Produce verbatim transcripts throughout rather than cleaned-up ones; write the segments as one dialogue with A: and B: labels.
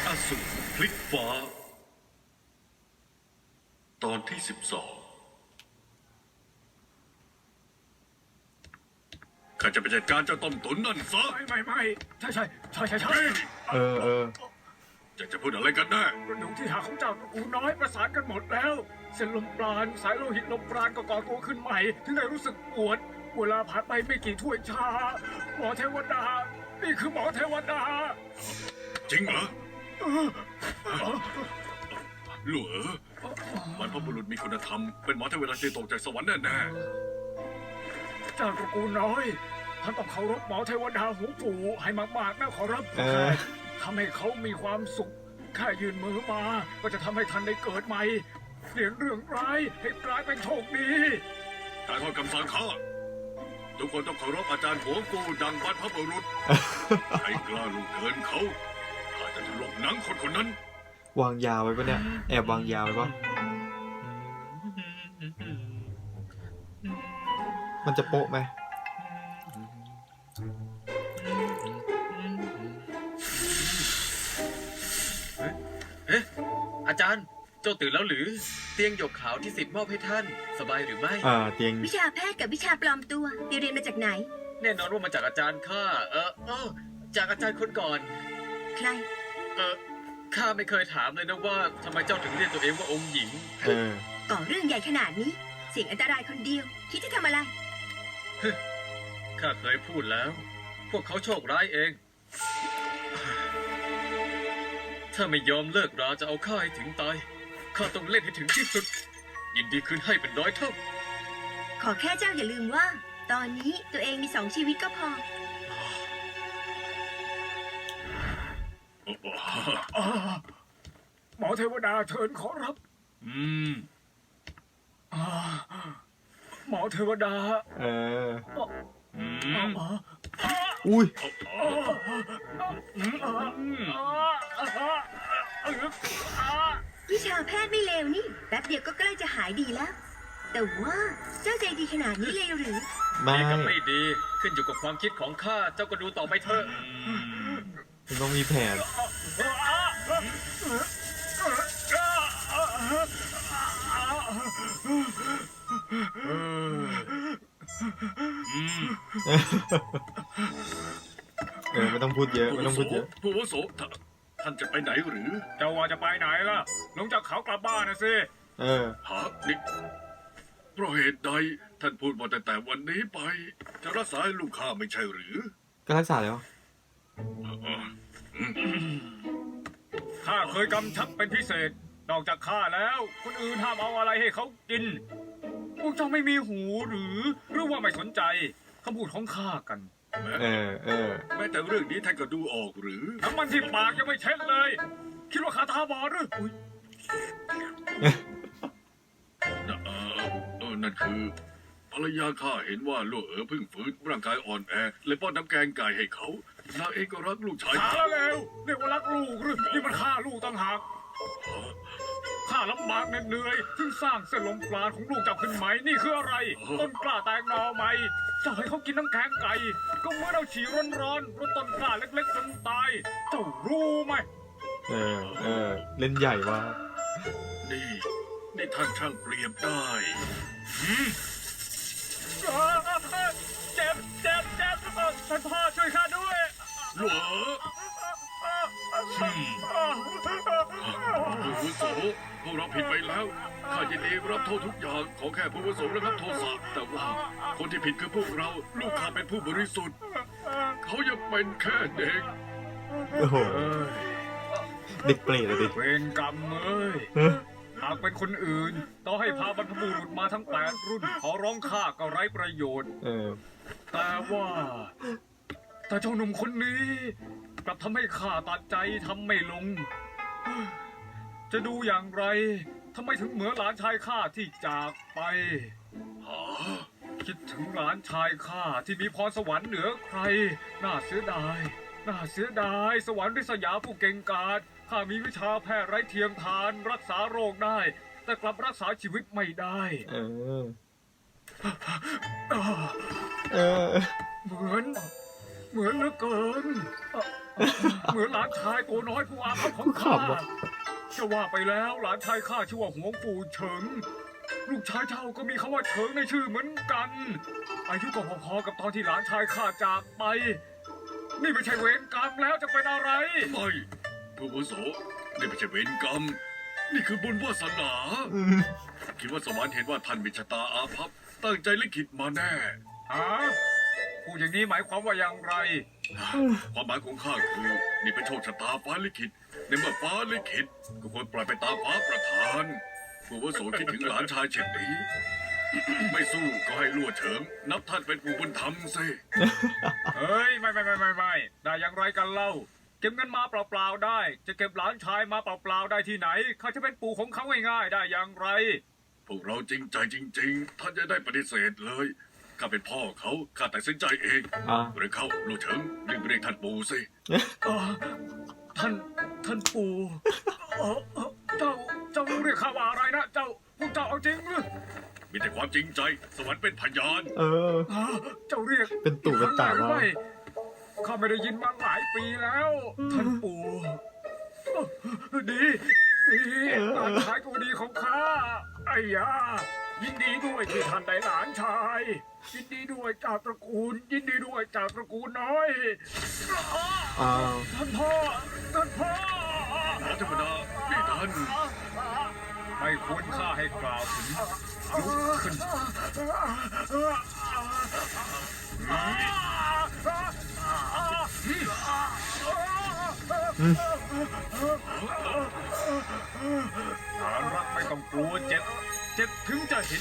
A: อสูรพลิกฟ้าตอนที่สิบสองข้าจะไปจัดการเจ้าต้มตุ๋นนั่นซะ
B: ไม่ไม่ไม่ใช่ใช่ใช่ใช่ใช่
C: เออเออ
A: จะจะพูดอะไรกันแน่
B: กระดูกที่หักของเจ้าตระกูลน้อยประสานกันหมดแล้ว เส้นลมปราณสายโลหิตลมปราณก็ก่อตัวขึ้นใหม่ ถึงได้รู้สึกปวด เวลาผ่านไปไม่กี่ถ้วยชา หมอเทวดา นี่คือหมอเทวดา
A: จริงเหรอหลัวบรรพบุรุษมีคุณธรรมเป็นหมอเทวดาที่ตกจากสวรรค์แน่
B: เจ้าตระกูลน้อยท่านต้องเคารพหมอเทวดาหูปู่ให้มากๆนะขอรับ
C: เออ
B: ทำให้เขามีความสุขแค่ยืนมือมา ก็จะทำให้ท่านได้เกิดใหม่เปลี่ยนเรื่องร้ายให้กลายเป็นโชคดี
A: ๆการทอดคำสั่งข้าทุกคนต้องเคารพอาจารย์หัวกูดังบรรพบุรุษใครกล้าลุกเกินเขาข้าจะถลกหนังคนคนนั้น
C: วางยาไว้ปะเนี่ย แอบวางยาไว้ปะมันจะโป๊ะไหม
D: เอ๊ะอาจารย์เจ้าตื่นแล้วหรือเตียงหยกขาวที่สิทธิ์มอบให้ท่านสบายหรือไม่
C: อ่าเตียง
E: วิชาแพทย์กับวิชาปลอมตัวเรียนมาจากไหน
D: แน่นอนว่ามาจากอาจารย์ข้าเออเออจากอาจารย์คนก่อน
E: ใคร
D: เออข้าไม่เคยถามเลยนะว่าทำไมเจ้าถึงเรียกตัวเองว่าองค์หญิง
C: เออ
E: ก่อเรื่องใหญ่ขนาดนี้ เสี่ยงอันตรายคนเดียว คิดจะทำอะไร
D: ข้าเคยพูดแล้ว พวกเขาโชคร้ายเอง ถ้าไม่ยอมเลิกราจะเอาข้าให้ถึงตายข้าต้องเล่นให้ถึงที่สุด ยินดีคืนให้เป็นร้อยเท่า
E: ขอแค่เจ้าอย่าลืมว่า ตอนนี้ตัวเองมีสองชีวิตก็พอ
B: อ่าหมอเทวดาเชิญขอรับ
A: อืม
B: อ่าหมอเทวดา
C: เออ
A: อืม
B: อ่า
C: อุ้ย
E: วิชาแพทย์ไม่เลวนี่แป๊บเดียวก็ใกล้จะหายดีแล้ว แต่ว่าเจ้าใจดีขนาดนี้เลยหรือ
C: ไม่
D: ดีกับไม่ดีขึ้นอยู่กับความคิดของข้าเจ้าก็ดูต่อไปเถอะ
C: มันต้องมีแผน เออไม่ต้องพูดเยอะไม่ต้องพูดเยอะ
A: ผู้อาวุโสท่านท่านจะไปไหนหรือ
B: เจ้าว่าจะไปไหนล่ะ ลงจากเขากลับบ้านนะสิ
C: เออ
A: หานี่เพราะเหตุใดท่านพูดมาแต่แต่วันนี้ไป จะรักษาให้ลูกข้าไม่ใช่หรือ
C: ก็รักษาแล้ว
B: ข้าเคยกำชับเป็นพิเศษ นอกจากข้าแล้ว คนอื่นห้ามเอาอะไรให้เขากิน พวกเจ้าไม่มีหูหรือ หรือว่าไม่สนใจคำพูดของข้ากัน
C: เออ เออ
A: แม้แต่เรื่องนี้ท่านก็ดูออกหรือ
B: น้ำมันที่ปากยังไม่เช็ดเลย คิดว่าข้าตาบอดหรืออุ๊ย
A: นะเออเออนั่นคือภรรยาข้าเห็นว่าลูกเอ๋อเพิ่งฟื้นร่างกายอ่อนแอเลยป้อนน้ำแกงไก่ให้เขานางเองก็รักลูกชาย
B: ช้าแล้วเรียกว่ารักลูกหรือนี่มันฆ่าลูกต่างหากข้าลำบากเหน็ดเหนื่อยถึงสร้างเส้นลมปราณของลูกเจ้าขึ้นไหมนี่คืออะไร ต้นกล้าแตงหนอไหมเจ้าให้เขากินน้ำแข็งไก่ ก็เหมื่อนเอาฉี่ร้อนๆรดต้นกล้าเล็กๆจนตาย เจ้ารู้ไหม
C: เออ เออ เล่นใหญ่ว่ะ
A: นี่นี่ท่านช่างเปรียบได้
B: เจ็บเจ็บเจ็บท่านพ่อช่วยข้าด้วย
A: ลูกเอ๋อผู้อาวุโสพวกเราผิดไปแล้วข้ายินดีรับโทษทุกอย่างขอแค่ผู้อาวุโสระงับโทษะแต่ว่าคนที่ผิดคือพวกเราลูกข้าเป็นผู้บริสุทธิ์เขายังเป็นแค่เด็ก
C: โอ้โห เด็กเปรตเลยดิ
B: เวรกรรมเอ้ย
C: เฮ้ย
B: หากเป็นคนอื่นต่อให้พาบรรพบุรุษมาทั้งแปดรุ่น ขอร้องข้าก็ไร้ประโยชน์
C: เออ
B: แต่ว่า แต่เจ้าหนุ่มคนนี้ กลับทำให้ข้าตัดใจทำไม่ลง จะดูอย่างไรทำไมถึงเหมือนหลานชายข้าที่จากไป คิดถึงหลานชายข้าที่มีพรสวรรค์เหนือใคร น่าเสียดาย น่าเสียดาย สวรรค์ริษยาผู้เก่งกาจข้ามีวิชาแพทย์ไร้เทียมทานรักษาโรคได้ แต่กลับรักษาชีวิตไม่ได้
C: เออ
B: อ่า
C: เออ
B: เหมือน เหมือนเหลือเกินเหมือนหลานชายตัวน้อยผู้อาภัพของข้าจะว่าไปแล้วหลานชายข้าชื่อว่าหวงปู่เฉิงลูกชายเจ้าก็มีคำว่าเฉิงในชื่อเหมือนกัน อายุก็พอๆกับตอนที่หลานชายข้าจากไป นี่ไม่ใช่เวรกรรมแล้วจะเป็นอะไร
A: ไม่ผู้อาวุโสนี่ไม่ใช่เวรกรรม นี่คือบุญวาสนา
C: อืม
A: คิดว่าสวรรค์เห็นว่าท่านมีชะตาอาภัพตั้งใจลิขิตมาแน่
B: ฮะพูดอย่างนี้หมายความว่าอย่างไร
A: ความหมายของข้าคือนี่เป็นโชคชะตาฟ้าลิขิตในเมื่อฟ้าลิขิตก็ควรปล่อยไปตามฟ้าประทานผู้อาวุโสคิดถึงหลานชายเช่นนี้ ไม่สู้ก็ให้ลั่วเฉิง นับท่านเป็นปู่บุญธรรมสิ
B: เฮ้ยไม่ไม่ไม่ไม่ไม่ได้อย่างไรกันเล่า เก็บเงินมาเปล่าๆได้ จะเก็บหลานชายมาเปล่าๆได้ที่ไหนข้าจะเป็นปู่ของเขาง่ายๆได้อย่างไร
A: พวกเราจริงใจจริง ๆ ท่านจะได้ปฏิเสธเลยข้าเป็นพ่อเขาข้าตัดสินใจเอง
C: อ่ะ
A: หรือเขาลู่เฉิงรีบเรียกท่านปู่สิ
B: เอ่อท่านท่านปู่เอ่อเอ่อเจ้าเจ้าเรียกข้าว่าอะไรนะเจ้าพวกเจ้าเอาจริงหรือ
A: มีแต่ความจริงใจ สวรรค์เป็นพยาน
C: เออ
B: ฮะเจ้าเรียก
C: เป็นตู่เป็นตา
B: หรือ
C: ว่า
B: ไม่ข้าไม่ได้ยินมาหลายปีแล้ว ท่านปู่ดีดีหลานชายตัวดีของข้าไอ้ยายินดีด้วยที่ท่านได้หลานชาย ยินดีด้วยจากตระกูล ยินดีด้วยจากตระกูลน้อย
C: อ้าว
B: ท่านพ่อท่านพ่อ
A: หมอเทวดานี่ท่าน
B: ไม่ควรข้าให้กล่าวถึงลุกขึ้น
C: อืม
B: ฐานรักไม่ต้องกลัวเจ็บ เจ็บถึงจะเห็น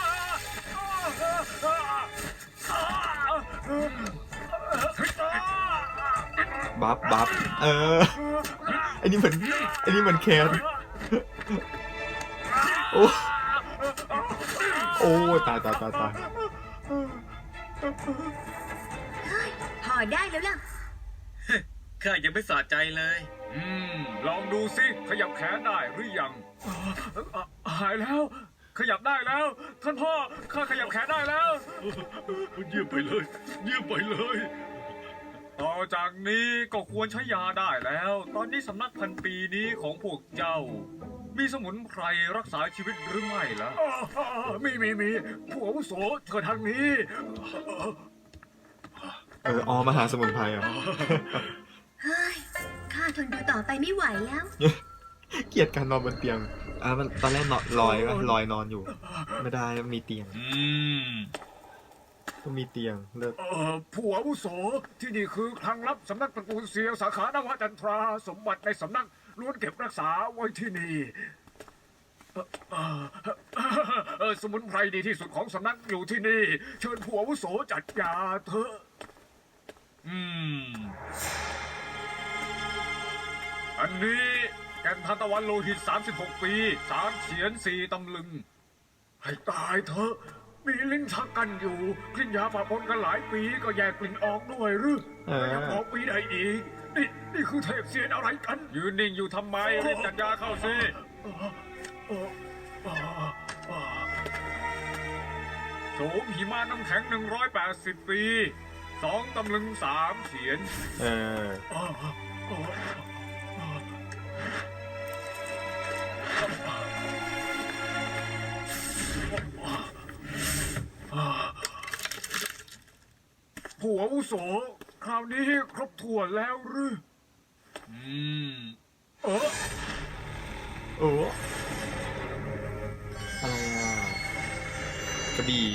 C: บัฟบัฟเออไอ้นี่เหมือนไอ้นี่เหมือนแคนโอ้โอ้ตายตายตายตาย
E: พอได้แล้วล่ะ
D: ข้ายังไม่สะใจเลย
B: อืม ลองดูสิ ขยับแขนได้หรือยังอ่ะหายแล้ว ขยับได้แล้ว ท่านพ่อ ข้าขยับแขนได้แล้ว
A: เยี่ยมไปเลย เยี่ยมไปเลย
B: ต่อจากนี้ก็ควรใช้ยาได้แล้ว ตอนนี้สำนักพันปีนี้ของพวกเจ้า มีสมุนไพรรักษาชีวิตหรือไม่ล่ะมีมีมีผู้อาวุโสเชิญทางนี้
C: เออออมาหาสมุนไพรอ่ะ
E: เฮ้ย ข้าทนดูต่อไปไม่ไหวแล้ว
C: เกลียดการนอนบนเตียงอ่ะมันตอนแรกนอนลอยวะลอยนอนอยู่ ไม่ได้มีเตียง
D: อืม
C: ต้องมีเตียงเลิก
B: เอ่อผู้อาวุโสที่นี่คือคลังลับสำนักตระกูลเซียวสาขานวจันทราสมบัติในสำนักล้วนเก็บรักษาไว้ที่นี่เอ่อเอ่อเอ่อสมุนไพรดีที่สุดของสำนักอยู่ที่นี่ เชิญผู้อาวุโสจัดยาเถอะ
D: อืม
B: อันนี้แก่นทันตะวันโลหิต สามสิบหก ปีสามเฉียนสี่ตำลึง ให้ตายเถอะ มีลิ้นชักกันอยู่กลิ่นยาปะปนกันหลายปีก็แยกกลิ่นออกด้วยหรือ
C: เออ
B: ยังบอกปีได้อีก นี่นี่คือเทพเสียนอะไรกัน ยืนนิ่งอยู่ทำไมรีบจัดยาเข้าสิโสมหิมาน้ำแข็ง หนึ่งร้อยแปดสิบ ปีสองตำลึงสามเฉียน
C: เออ
B: ผู้อาวุโสคราวนี้ครบถ้วนแล้วหรือ
D: อืม
B: เออ
C: โอ้อะไรอ่ะกระบี่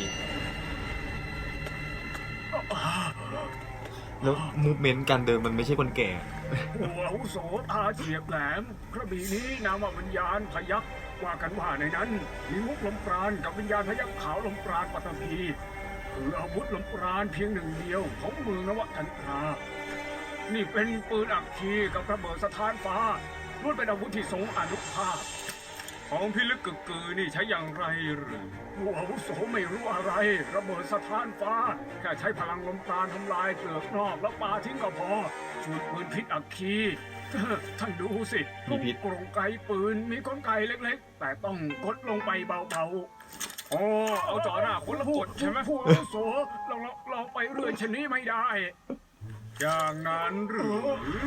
C: แล้วมูฟเมนต์การเดินมันไม่ใช่คนแก่
B: ผู้อาวุโสตาเฉียบแหลมกระบี่นี้นามว่าวิญญาณพยักว่ากันว่าในนั้น มีมุกลมปราณกับวิญญาณพยักขาวลมปราณปัตตภีคืออาวุธลมปราณเพียงหนึ่งเดียวของเมืองนวจันทรา นี่เป็นปืนอัคคีกับระเบิดสถานฟ้าล้วนเป็นอาวุธที่ทรงอานุภาพ ของพิลึกกึกกือนี่ใช้อย่างไรหรือผู้อาวุโสไม่รู้อะไร ระเบิดสถานฟ้า แค่ใช้พลังลมปราณทำลายเปลือกนอกแล้วปาทิ้งก็พอส่วนปืนพิษอัคคี ท่านดูสิ
C: มีพิษ
B: กรงไกปืนมีกลไกเล็กๆ แต่ต้องกดลงไปเบาๆอ๋อเอาจ่อหน้าคนละกดใช่ไหมผู้อาวุโสเราเราเราไปเรื่อยชนนี้ไม่ได้อย่างนั้นหรือ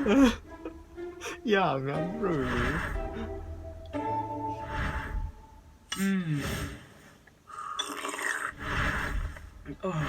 C: อย่างนั้นหรือ
B: อืมเอ่อ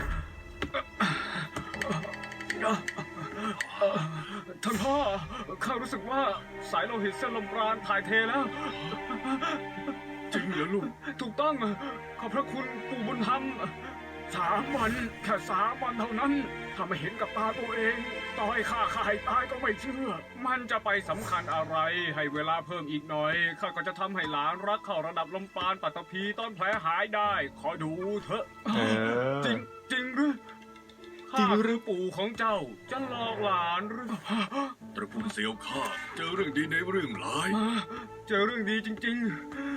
B: เอ่อท่านพ่อข้ารู้สึกว่าสายโลหิตเส้นลมปราณถ่ายเทแล้ว
A: จริงเหรอลูก
B: ถูกต้องขอบพระคุณปู่บุญธรรมสามวันแค่สามวันเท่านั้นถ้าไม่เห็นกับตาตัวเอง ต่อให้ข้าข้าให้ตายก็ไม่เชื่อ มันจะไปสำคัญอะไร ให้เวลาเพิ่มอีกหน่อยข้าก็จะทำให้หลานรักเข้าระดับลมปราณปัตตภีต้นแผลหายได้ ขอดูเถอะ
C: เออ
B: จริงจริงหรือ
C: จริง
B: ข้า
C: หรือ
B: คือปู่ของเจ้าจะหลอกหลานหรือ
A: ตระกูลเซียวข้าเจอเรื่องดีในเรื่องร้าย
B: เจอเรื่องดีจริงๆ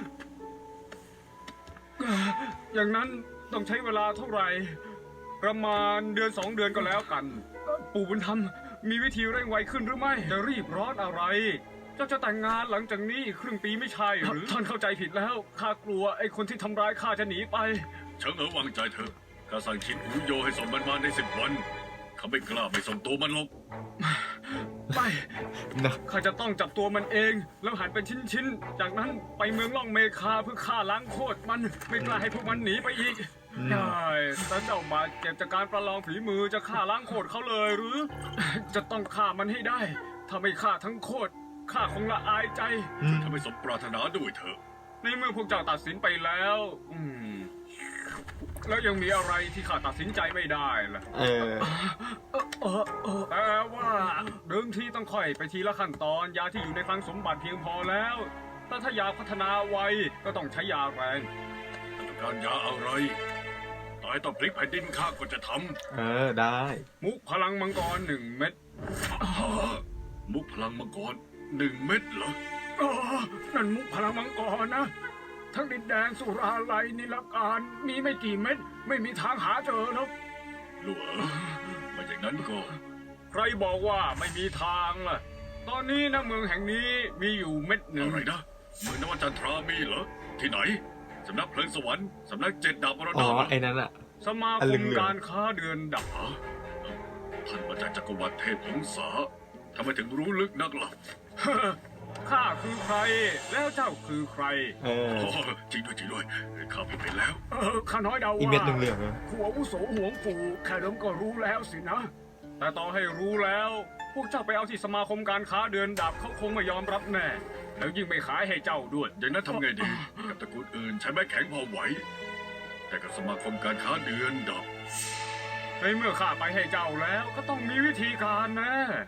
B: อย่างนั้นต้องใช้เวลาเท่าไหร่ ประมาณเดือนสองเดือนก็แล้วกัน ปู่บุญธรรมมีวิธีเร่งไวขึ้นหรือไม่ จะรีบร้อนอะไร เจ้าจะแต่งงานหลังจากนี้อีกครึ่งปีไม่ใช่หรือท่านเข้าใจผิดแล้ว ข้ากลัวไอ้คนที่ทำร้ายข้าจะหนีไป
A: เฉิงเอ๋อวางใจเถอะข้าสั่งชินอูโยให้ส่งมันมาในสิบวัน เขาไม่กล้าไปส่งตัวมันหรอก
B: ไป
C: นะ
B: ข้าจะต้องจับตัวมันเอง แล้วหั่นเป็นชิ้นๆ จากนั้นไปเมืองล่องเมคาเพื่อฆ่าล้างโคตรมัน ไม่กล้าให้พวกมันหนีไปอีก
C: อืม
B: ได้แต่เจ้าบาดเจ็บจากการประลองฝีมือจะฆ่าล้างโคตรเขาเลยหรือ จะต้องฆ่ามันให้ได้ ถ้าไม่ฆ่าทั้งโคตรข้าคงละอายใจ
C: อืม
A: ถ้าไม่สมปรารถนาด้วยเถอะ
B: ในเมื่อพวกเจ้าตัดสินไปแล้ว อืม แล้วยังมีอะไรที่ข้าตัดสินใจไม่ได้ล่ะ
C: เออ
B: เออเออเออแต่ว่าเดิมทีต้องค่อยไปทีละขั้นตอนยาที่อยู่ในคลังสมบัติเพียงพอแล้ว แต่ถ้าอยากพัฒนาไวก็ต้องใช้ยาแรง
A: ต้องการยาอะไรตายต่อพลิกแผ่นดินข้าก็จะท
C: เออ ได้
B: มุกพลังมังกรหนึ่งเม็ด
A: ำมุกพลังมังกรหนึ่งเม็ดเหรอ
B: อ๋อนั่นมุกพลังมังกรนะ ทั้งดินแดงสุราไลนิลการมีไม่กี่เม็ด ไม่มีทางหาเจอหรอก
A: ลูกเอ๋อไม่อย่างนั้นก็
B: ใครบอกว่าไม่มีทางล่ะ ตอนนี้นะเมืองแห่งนี้มีอยู่เม็ดหนึ่ง
A: อะไรนะเมืองนวจันทรามีเหรอ ที่ไหน สำนักเพลิงสวรรค์ สำนักเจ็ดดาบมร
C: อ๋
A: ดา
C: อ
A: เหรอ
C: ไอ้นั่นอะ
B: สมา
C: อัน
B: ค
C: เหลื
B: ม
C: องๆ
B: การค้าเดือนดับ
A: ฮะท่านมาจากจักรวรรดิเทพหงสาทำไมถึงรู้ลึกนักล่ะ
B: ข้าคือใคร แล้วเจ้าคือใคร
C: เออ
A: อ๋อจริงด้วยจริงด้วยข้าผิดไปแล้ว
B: เออข้าน้อยเดา
C: อี
B: ว่า
C: เม็ดเหลืองๆอะ
B: ผู้อาวุโสหวงปู่แค่เดิมก็รู้แล้วสินะ แต่ต่อให้รู้แล้ว พวกเจ้าไปเอาที่สมาคมการค้าเดือนดับเขาคงไม่ยอมรับแน่ แล้วยิ่งไม่ขายให้เจ้าด้วย
A: อย่างนั้นทำไงดี กับตระกูลอื่นใช้ไม้แข็งพอไหว แต่กับสมาคมการค้าเดือนดับ
B: ในเมื่อข้าไปให้เจ้าแล้วก็ต้องมีวิธีการนะ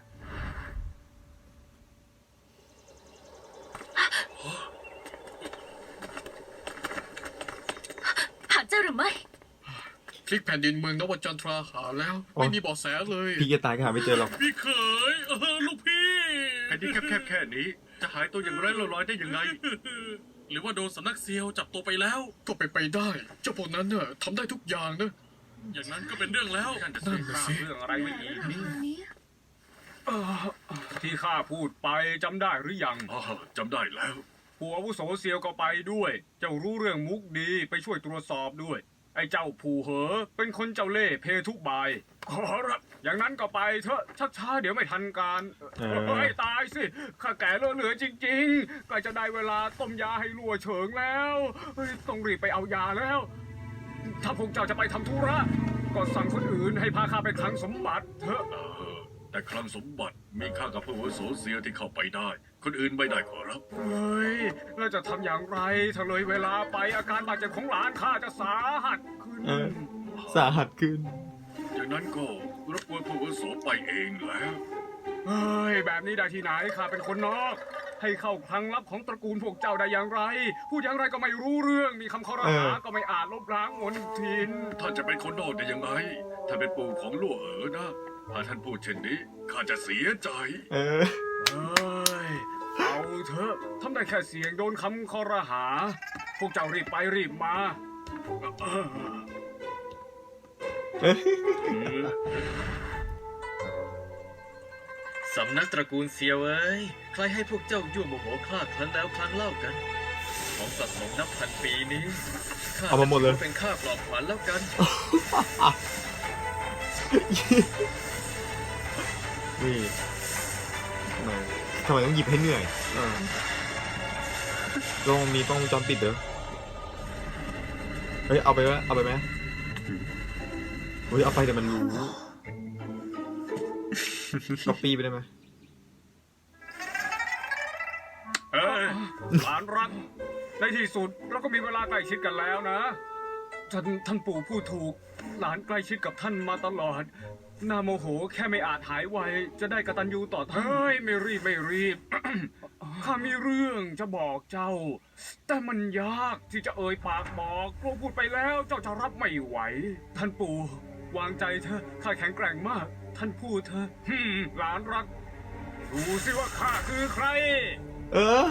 F: หาเจอหรือไม่
G: พลิกแผ่นดินเมืองนวจันทราหาแล้ว ไม่มีเบาะแสเลย
C: พี่จะตายก็หาไม่เจอหรอก
G: พี่เขยเออลูกพี่
A: แผ่นดินแคบๆแค่นี้ จะหายตัวอย่างไร้ร่องรอยได้ยังไง
G: หรือว่าโดนสำนักเซียวจับตัวไปแล้ว ก็ไปนไปได้ เจ้าพวกนั้นเน่ะทำได้ทุกอย่างนะ อย่างนั้นก็เป็นเรื่องแล้ว
A: นั่นน่ะ
G: นั่
A: สิ
G: นน่ะ
B: สร้าง
G: สิ
B: เรื่องอะไรไว้อีก
F: นี้
B: เอ่อที่ข้าพูดไปจำได้หรือยัง
A: อ๋อจำได้แล้ว
B: ผู้อาวุโสเซียวก็ไปด้วย เจ้ารู้เรื่องมุกดีไปช่วยตรวจสอบด้วย ไอ้เจ้าผู้เหอ เป็นคนเจ้าเล่ห์เพทุบาย ขอรับ อย่างนั้นก็ไปเถอะชักช้าเดี๋ยวไม่ทันการ
C: เออ
B: เฮ้ยตายสิ ข้าแก่เหลือเหลือจริงๆใกล้จะได้เวลาต้มยาให้ลัวเฉิงแล้วเฮ้ยต้องรีบไปเอายาแล้ว ถ้าพวกเจ้าจะไปทำธุระ ก็สั่งคนอื่นให้พาข้าไปคลังสมบัติเถอะ
A: เออ แต่คลังสมบัติมีค่ากับผู้อาวุโสเซียวที่เข้าไปได้ คนอื่นไม่ได้ขอรับ
B: เฮ้ย แล้วจะทำอย่างไร ถ้าเลยเวลาไปอาการบาดเจ็บของหลานข้าจะสาหัสขึ้น
C: เออ สาหัสขึ้น
A: อย่างนั้นก็รบกวนผู้อาวุโสไปเองแล้ว
B: เฮ้ย แบบนี้ได้ที่ไหนข้าเป็นคนนอก ให้เข้าคลังลับของตระกูลพวกเจ้าได้อย่างไร พูดอย่างไรก็ไม่รู้เรื่อง มีคำข้อรหา
C: เออ
B: ก็ไม่อาจลบล้างมนทิน
A: ท่านจะเป็นคนนอกได้ยังไง ท่านเป็นปู่ของลู่เอ๋อนะ ถ้าท่านพูดเช่นนี้ข้าจะเสียใจ
C: เออ
B: เฮ้ย เอาเถอะทำได้แค่เสียงโดนคำข้อรหา พวกเจ้ารีบไปรีบมาเออ
D: สำนักตระกูลเซียวเอ้ย ใครให้พวกเจ้ายั่วโมโหคลาดครั้นแล้วครั้งเล่ากัน ของสะสมนับพันปีนี้ข้
C: เอามาหมดเลย
D: เป็นค่าปลอบขวัญแล้วกัน
C: นี่ทำไมทำไมต้องหยิบให้เหนื่อยเออลองมีกล้องวงจรปิดเด้อเฮ้ยเอาไปวะเอาไปไหมเฮ้ยเอาไปแต่มันรู้ก๊อปปี้ไปได้ไหม
B: เอ้ยหลานรัก ในที่สุดเราก็มีเวลาใกล้ชิดกันแล้วนะ ท่านท่านปู่พูดถูก หลานใกล้ชิดกับท่านมาตลอด น่าโมโหแค่ไม่อาจหายไว จะได้กตัญญูต่อท่านเฮ้ย ไม่รีบไม่รีบ ข้ามีเรื่องจะบอกเจ้า แต่มันยากที่จะเอ่ยปากบอกกลัวพูดไปแล้วเจ้าจะรับไม่ไหว ท่านปู่วางใจเถอะข้าแข็งแกร่งมาก ท่านพูดเถอะฮึมหลานรัก ดูสิว่าข้าคือใคร
C: เออ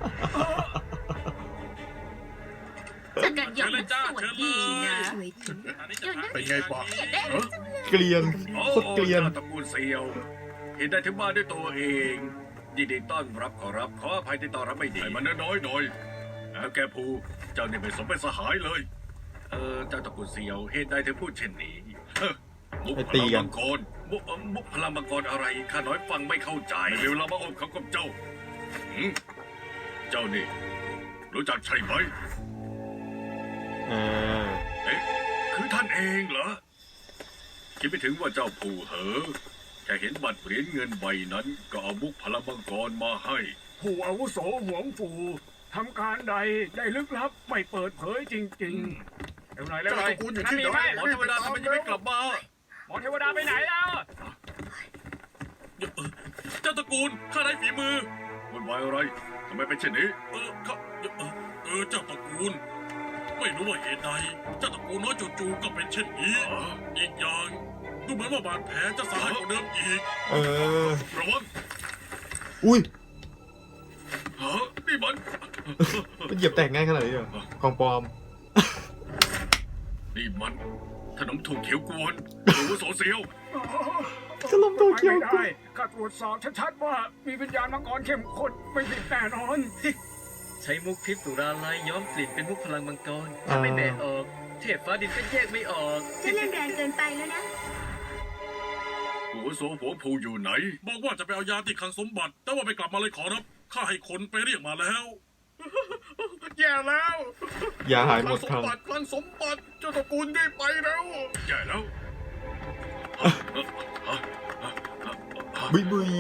F: จักรยานมันสวยดีนะ
E: สวยจริง
G: อันนี้
F: เดี๋
G: จะ
F: ยว
G: หา
F: นะ
A: เป็นไงบ้างเออ
C: เกลียนโคตรเกลียน
A: โอ้ตระกูลเซียว เห็นได้ถึงบ้านด้วยตัวเองยินดีต้อนรับขอรับ ขออภัยที่ต้อนรับไม่ดีให้มันน้อยๆหน่อยแล้วแกภูเจ้านี่ไม่สมเป็นสหายเลย เออเจ้าตระกูลเซียวเหตุใดถึงพูดเช่นนี้เฮ้อมุก
C: ไป
A: พ
C: ตี
A: ลัง
C: กัน
A: มังกรมุกเอ่อมุกพลังมังกรอะไรข้าน้อยฟังไม่เข้าใจเวลามาอบเขากับเจ้าหืมเจ้านี่ รู้จักใช่ไหม
C: เออ
A: เอ๊ะคือท่านเองเหรอ คิดไม่ถึงว่าเจ้าผู้เหอแค่เห็นบัตรเหรียญเงินใบนั้น ก็เอามุกพลังมังกรมาให้
B: ผู้อาวุโสหวงฟูทำการใดได้ลึกลับไม่เปิดเผยจริงๆเร็วหน่อยเร็วหน่อย
A: เจ้าตระกูลอยู่ที่ไหนหมอเทวดาทำไมยังไม่กลับมา
B: หมอเทวดาไปไหนแล้ว
G: เจ้าตระกูลข้าได้ฝีมือ
A: วุ่นวายอะไรทำไมเป็นเช่นนี้
G: เออข้าเออเออเจ้าตระกูล ไม่รู้ว่าเหตุใด เจ้าตระกูลน้อยจู่ๆก็เป็นเช่นนี้
A: อ๋อ
G: อีกอย่าง ดูเหมือนว่าบาดแผลจะสาหัสกว่าเดิมอีก
C: เออ
A: ระวัง
C: อุ้ย
A: ฮะนี่มัน
C: มันเหยียบแตกง่ายขนาดนี้เหรอของปลอม
A: นี่มันขนมถูกเขียวกวนหรือว่าโสเซียว
C: ขนมโตเกียว
B: ไม่ได้ข้าตรวจสอบชัดๆว่ามีวิญญาณมังกรเข้มข้นไม่ผิดแน่นอน
D: ใช้มุกพิษสุราลายย้อมกลิ่นเป็นมุกพลังมังกรถ้าไม่แบะออก เทพฟ้าดินก็แยกไม่ออก
E: เจะเล่นแรงเกินไปแล้วนะ
A: หัวโสหัวผูอยู่ไหน
G: บอกว่าจะไปเอายาที่คลังสมบัติ แต่ว่าไม่กลับมาเลยขอรับ ข้าให้คนไปเรียกมาแล้ว
B: แย่แล้ว
C: อย่าหายหมด
B: ส
C: ค
B: ม
C: รั้ง
B: บัติคลังสมบัติเจ้าตระกูลได้ไปแล้ว
A: แย่แล้ว
C: บุยบุย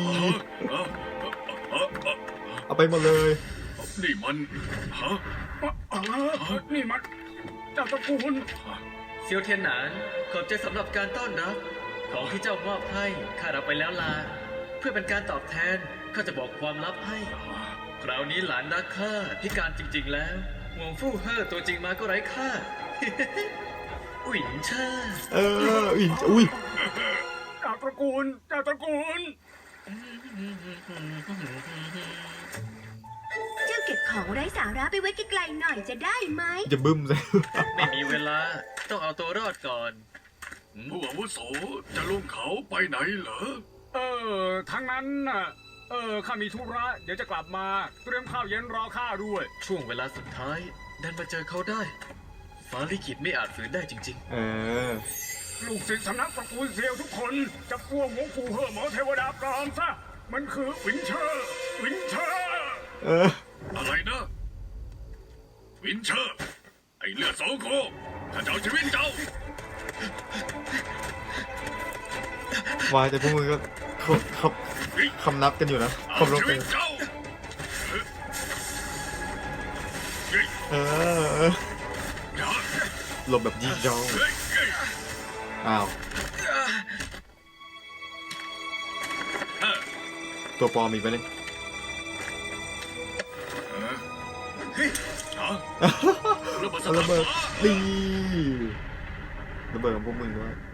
C: เอาไปหมดเลย
A: นี่มันฮะ
B: อ๋อนี่มันเจ้าตระกูล
D: เซียวเทียนหนานขอบใจสำหรับการต้อนรับ ของที่เจ้ามอบให้ข้ารับไปแล้วลา เพื่อเป็นการตอบแทนข้าจะบอกความลับให้ คราวนี้หลานรักข้าพิการจริง ๆ แล้วห่วงฟู่เฮ่อตัวจริงมาก็ไร้ค่า อุ่นเช่า
C: เอออุ้ยอุ้ย
B: เจ้าตระกูลเจ้าตระกูล
E: เจ้าเก็บของไร้สาระไปไว้ไกลๆหน่อยจะได้ไหม
C: จะบึ้มใส่
D: ไม่มีเวลาต้องเอาตัวรอดก่อน
A: ผู้อาวุโสจะลงเขาไปไหนเหรอ
B: เออทั้งนั้นน่ะ เออข้ามีธุระเดี๋ยวจะกลับมา เตรียมข้าวเย็นรอข้าด้วย
D: ช่วงเวลาสุดท้ายดันมาเจอเขาได้ ฟ้าลิขิตไม่อาจฝืนได้จริง
C: เออ
B: ลูกศิษย์สำนักตระกูลเซียวทุกคนจะพวกหมงปู่เฮ่อหมอเทวดาปลอมซะ มันคือวินเชอร์ วินเชอร์
C: เออ
A: อะไรนะ วินเชอร์ ไอเลือดโสโครกข้าจะเอาชีวิตเจ้า
C: วายแต่พวกมึงก็เขาเขาคำนับกันอยู่นะ
A: เอา
C: คำรบ
A: ชี
C: กั
A: วิ
C: น
A: ตเจ้า
C: เออเออ
A: อย่า
C: หลบแบบยิงยอง
A: เฮ้ยเฮ้ย
C: อ้าว
A: เออ
C: ตัวปลอมอีกไปเลย
A: เฮ้ยอ๋อระเบิดส
C: เอา
A: ถา
C: ระเบิด
A: น
C: ดีระเบิดของพวกมึงด้วย